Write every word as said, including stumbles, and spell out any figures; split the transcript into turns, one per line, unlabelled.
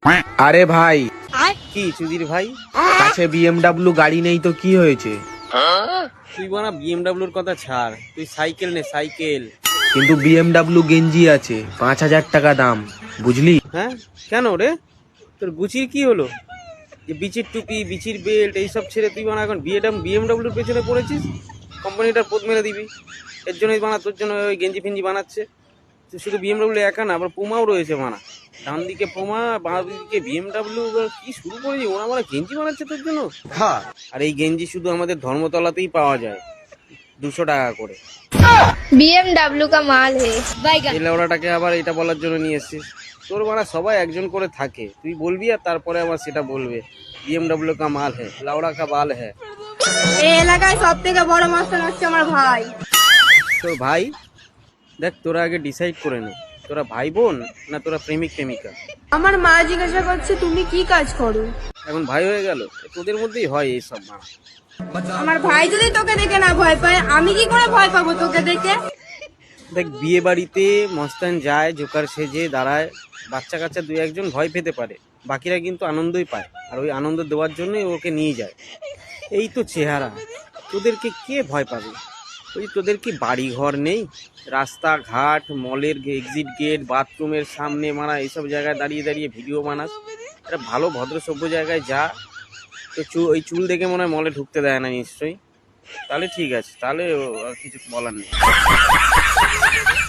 আরে ভাই,
কি সুধীর ভাই,
কাছে বিএমডাব্লিউ গাড়ি নেই তো কি হয়েছে?
তুই বানা বিএমডাব্লিউর কথা ছাড়, তুই সাইকেল নে সাইকেল।
কিন্তু বিএমডাব্লিউ গেঞ্জি আছে পাঁচ হাজার টাকা দাম, বুঝলি?
হ্যাঁ কেন রে, তোর গুচির কি হলো যে বিচির টুপি বিচির বেল্ট এইসব ছেড়ে তুই বানা এখন বিএডাম বিএমডাব্লিউর পেছনে পড়েছিস? কোম্পানিটার পোত মেরে দিবি। এর জন্যই বানা তোর জন্য ওই গেঞ্জি ফেঞ্জি বানাচ্ছে। তুই শুধু বিএমডাব্লিউ একা না, আবার পুমাও রয়েছে বানা। ডান দিকে পুমা, বাঁ দিকে বিএমডাব্লিউ, কি শুরু করেছি, ওরা মানে গেঞ্জি বানাচ্ছে তোর জন্য। হ্যাঁ, আর এই গেঞ্জি শুধু আমাদের ধর্মতলাতেই পাওয়া যায়, দুশো টাকা করে।
बीएमडब्ल्यू का माल है।
এই লেওড়াটাকে আবার এটা বলার জন্য নিয়ে এসছিস? তোর বাড়া সবাই একজন করে থাকে, তুই বলবি আর তারপরে আবার সেটা বলবে বিএমডাব্লিউ কা মাল হ্যাঁ, লাউড়া কা বাল হ্যাঁ।
এই এলাকায় সব থেকে বড় মাস্টার হচ্ছে আমার ভাই।
তোর ভাই? দেখ, তোরা আগে ডিসাইড করে নে, তোরা ভাই বোন না তোরা প্রেমিক প্রেমিকা।
আমার মা জিজ্ঞাসা করছে তুমি কি কাজ করো।
এখন ভাই হয়ে গেল, তোদের মধ্যেই হয় এইসব মা।
আমার ভাই যদি তোকে দেখে না ভয় পায়, আমি কি করে ভয় পাবো তোকে দেখে?
দেখ, বিয়ে বাড়িতে মস্তান যায়, জোকার সেজে দাঁড়ায়, বাচ্চা কাচ্চা দুই একজন ভয় পেতে পারে, বাকিরা কিন্তু আনন্দই পায়, আর ওই আনন্দ দেওয়ার জন্যই ওকে নিয়ে যায়। এই তো চেহারা, তোদেরকে কে ভয় পাবে? ওই তোদের কি বাড়ি ঘর নেই? রাস্তাঘাট, মলের এক্সিট গেট, বাথরুমের সামনে মারা এইসব জায়গায় দাঁড়িয়ে দাঁড়িয়ে ভিডিও বানাস? একটা ভালো ভদ্র সভ্য জায়গায় যা। তো চু ওই চুল দেখে মনে হয় মলে ঢুকতে দেয় না নিশ্চয়ই। তাহলে ঠিক আছে, তাহলে আর কিছু বলার নেই।